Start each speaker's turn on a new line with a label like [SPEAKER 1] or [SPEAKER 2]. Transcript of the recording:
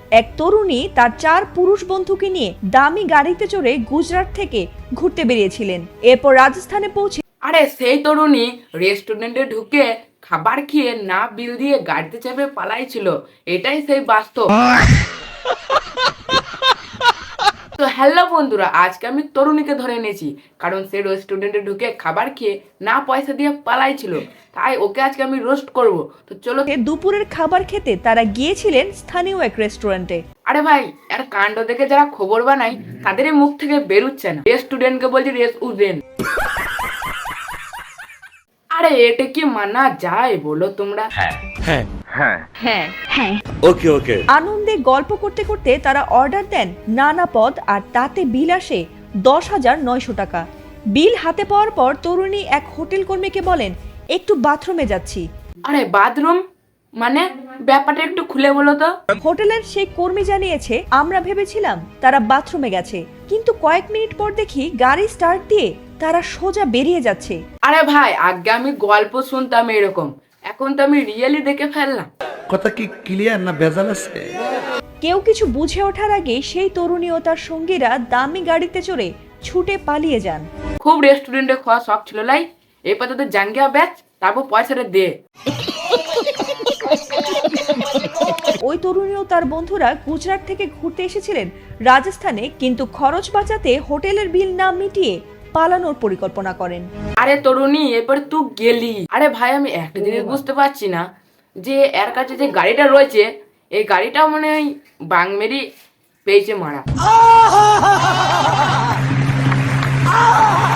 [SPEAKER 1] এক তরুণী তার 4 পুরুষ বন্ধুকে নিয়ে দামি গাড়িতে চড়ে গুজরাট থেকে ঘুরতে বেরিয়েছিলেন। এরপর রাজস্থানে পৌঁছে
[SPEAKER 2] আরে সেই তরুণী রেস্টুরেন্টে ঢুকে খাবার খেয়ে না বিল দিয়ে গাড়িতে চেপে পালাইছিল। এটাই সেই বাস্তব। তো হ্যালো বন্ধুরা, আজকে আমি তরুণীকে ধরে এনেছি, কারণ সে রেস্টুরেন্টে ঢুকে খাবার খেয়ে না পয়সা দিয়ে পালাইছিল। তাই ওকে আজকে আমি রোস্ট করব। তো চলো।
[SPEAKER 1] দুপুরের খাবার খেতে তারা গিয়েছিলেন স্থানীয় এক রেস্টুরেন্টে।
[SPEAKER 2] আরে ভাই, এর কাণ্ড দেখে যারা খবর বানায় তাদের মুখ থেকে বেরুচ্ছে না। রেস্টুরেন্টকে বলছি রেস্টুরেন্ট। আরে এটা কি মানা যায় বলো তোমরা?
[SPEAKER 3] ওকে
[SPEAKER 1] আনন্দে গল্প করতে করতে তারা অর্ডার দেন নানা পদ, আর তাতে বিল আসে 10,900 টাকা। বিল হাতে পাওয়ার পর তরুণী এক হোটেল কর্মীকে বলেন, একটু বাথরুমে যাচ্ছি।
[SPEAKER 2] আরে বাথরুম মানে? ব্যাপারটা একটু খুলে বলো তো।
[SPEAKER 1] হোটেলের সেই কর্মী জানিয়েছে, আমরা ভেবেছিলাম তারা বাথরুমে গেছে, কিন্তু কয়েক মিনিট পর দেখি গাড়ি স্টার্ট দিয়ে তারা সোজা বেরিয়ে যাচ্ছে।
[SPEAKER 2] আরে ভাই, আগে আমি গল্প শুনতাম এরকম, এখন তো আমি রিয়েলি দেখে ফেললাম।
[SPEAKER 4] কথা কি ক্লিয়ার না ভেজাল আছে?
[SPEAKER 1] কেউ কিছু বুঝে ওঠার আগে সেই তরুণী ও তার সঙ্গীরা দামি গাড়িতে চড়ে ছুটে পালিয়ে যান।
[SPEAKER 2] খুব রেস্টুরেন্টে খাওয়া শখ ছিল লাই, এরপর তোদের জাঙ্গিয়া ব্যাচ, তারপর পয়সাটা দে।
[SPEAKER 1] ওই তরুণী ও তার বন্ধুরা গুজরাট থেকে ঘুরতে এসেছিলেন রাজস্থানে, কিন্তু খরচ বাঁচাতে হোটেলের বিল না মিটিয়ে পালানোর পরিকল্পনা করেন।
[SPEAKER 2] আরে তরুণী, এরপর তুই গেলি। আরে ভাই, আমি একটা জিনিস বুঝতে পারছি না, যে এর কাছে যে গাড়িটা রয়েছে, এই গাড়িটা মনে হয় বাংমেরি পেয়েছে মারা।